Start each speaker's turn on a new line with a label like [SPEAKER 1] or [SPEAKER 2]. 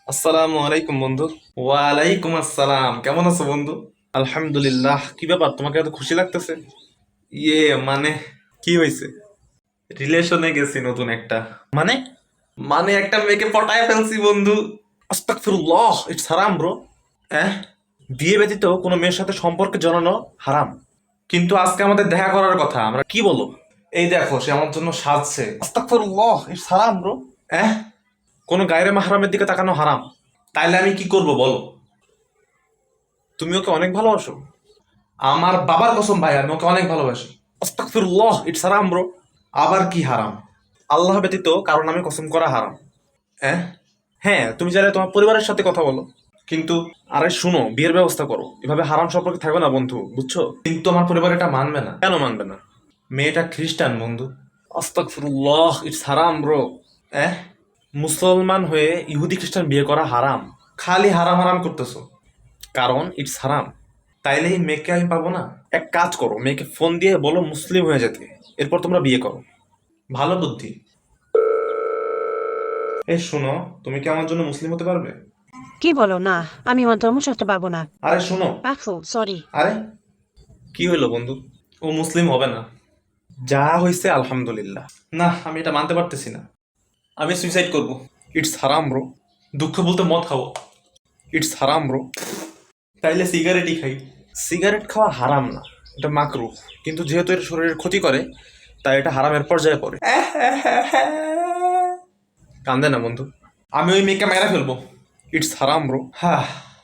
[SPEAKER 1] আসসালামু আলাইকুম বন্ধু। ওয়ালাইকুম আসসালাম, কেমন আছো বন্ধু? আলহামদুলিল্লাহ। কি ব্যাপার, তোমাকে এত খুশি লাগতেছে? ইয়ে মানে, কি হয়েছে? রিলেশনে গেছি নতুন একটা। মানে মানে একটা মেয়েকে পটায় ফেলছি বন্ধু। আস্তাগফিরুল্লাহ, ইটস হারাম ব্রো। হ্যাঁ, বিয়ে ব্যতীত কোনো মেয়ের সাথে সম্পর্কে জড়ানো হারাম। কিন্তু আজকে আমাদের দেখা করার কথা, আমরা কি বলো? এই দেখো, সে আমার জন্য সাজছে। আস্তাগফিরুল্লাহ, ইটস হারাম ব্রো। হ্যাঁ, কোনো গায়রে মাহরামের দিকে তাকানো হারাম। তাইলে আমি কি করব বলো? তুমি ওকে অনেক ভালোবাসো? আমার বাবার কসম ভাই, আমি ওকে অনেক ভালোবাসি। আস্তাগফিরুল্লাহ, ইটস হারাম ব্রো। আবার কি হারাম? আল্লাহ ব্যতীত কারণ আমি কসম করা হারাম। হ্যাঁ, হ্যাঁ, তুমি চাইলে তোমার পরিবারের সাথে কথা বলো, কিন্তু আরে শুনো, বিয়ের ব্যবস্থা করো। এভাবে হারাম সম্পর্কে থাকবে না বন্ধু, বুঝছো? কিন্তু আমার পরিবার এটা মানবে না। কেন মানবে না? মেয়েটা খ্রিস্টান বন্ধু। আস্তাগফিরুল্লাহ, ইটস হারাম ব্রো। হ্যাঁ, মুসলমান হয়ে ইহুদি খ্রিস্টান বিয়ে করা হারাম। খালি হারাম হারাম করতেছো, কারণ ইটস হারাম। তাইলে এই মেয়েকে আমি পাবো না? এক কাজ করো, মেয়েকে ফোন দিয়ে বলো মুসলিম হয়ে যেতে, এরপর তোমরা বিয়ে করো। ভালো বুদ্ধি। এই শোনো, তুমি কি আমার জন্য মুসলিম হতে পারবে?
[SPEAKER 2] কি বলো না? আমি আমার ধর্ম ছাড়তে পারবো না।
[SPEAKER 1] আরে শোনো।
[SPEAKER 2] রাখো, সরি।
[SPEAKER 1] আরে, কি হইলো বন্ধু? ও মুসলিম হবে না। যা হয়েছে আলহামদুলিল্লাহ। না, আমি এটা মানতে পারতেছি না। আমি সুইসাইড করব। ইটস হারাম ব্রো। দুঃখ বলতে মদ খাবো। ইটস হারাম ব্রো। তাইলে সিগারেটই খাই। সিগারেট খাওয়া হারাম না, এটা মাকরুহ। কিন্তু যেহেতু এটা শরীরের ক্ষতি করে, তাই এটা হারামের পর্যায়ে পড়ে। কান্দে না বন্ধু। আমি ওই মেয়েকে মেরে ফেলবো। ইটস হারাম ব্রো। হ্যাঁ,